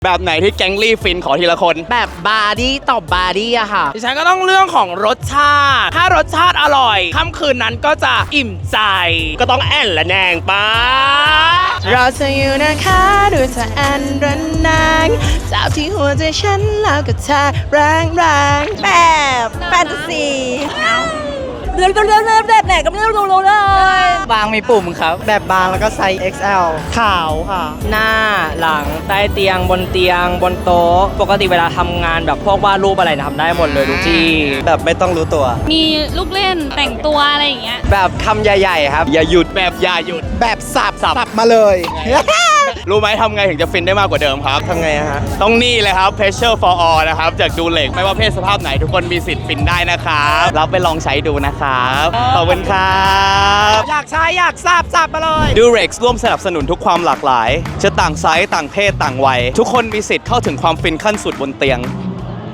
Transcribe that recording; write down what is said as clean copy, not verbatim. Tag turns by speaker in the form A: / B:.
A: แบบไหนที่แก๊งลี่ฟินขอทีละคน
B: แบบบาร์ดี้ตบบาร์ดี้อะค่ะ
C: ดิฉันก็ต้องเรื่องของรสชาติ ถ้ารสชาติอร่อยค่ำคืนนั้นก็จะอิ่มใจ
A: ก็ต้องแอนและแนงป้า
B: เราจะอยู่นะคะดูเธออันรันนางจับที่หัวใจฉันแล้วก็เธอแรงแบบแฟนตาซีเรื่องแบบไหนก็ไม่รู้เลย
D: บางมีปุ่มครับ แบบบางแล้วก็ไซส์ XL ขาวค่ะ
E: หน้าหลังใต้เตียงบนเตียงบนโต๊ะปกติเวลาทำงานแบบพวกวาดรูปอะไรนะทำได้หมดเลยทุกที่
D: แบบไม่ต้องรู้ตัว
F: มีลูกเล่นแต่งตัวอะไรอย่างเงี้ย
D: แบบคำใหญ่ๆครับ
A: อย่าหยุดแบบอย่าหยุด
B: แบบสับ
A: สับ
B: มาเลย
A: รู้ไหมทำไงถึงจะฟินได้มากกว่าเดิมครับ
D: ทำไงฮะ
A: ต้องนี่เลยครับ Pressure for all นะครับ จากดูเล็กไม่ว่าเพศสภาพไหนทุกคนมีสิทธิ์ฟินได้นะครับรับไปลองใช้ดูนะครับขอบคุณครับ
C: อยากใช้อยากสับมาเลย
A: ดูเร็กร่วมสนับสนุนทุกความหลากหลาย จะต่างไซส์ต่างเพศต่างวัย ทุกคนมีสิทธิ์เข้าถึงความฟินขั้นสุดบนเตียง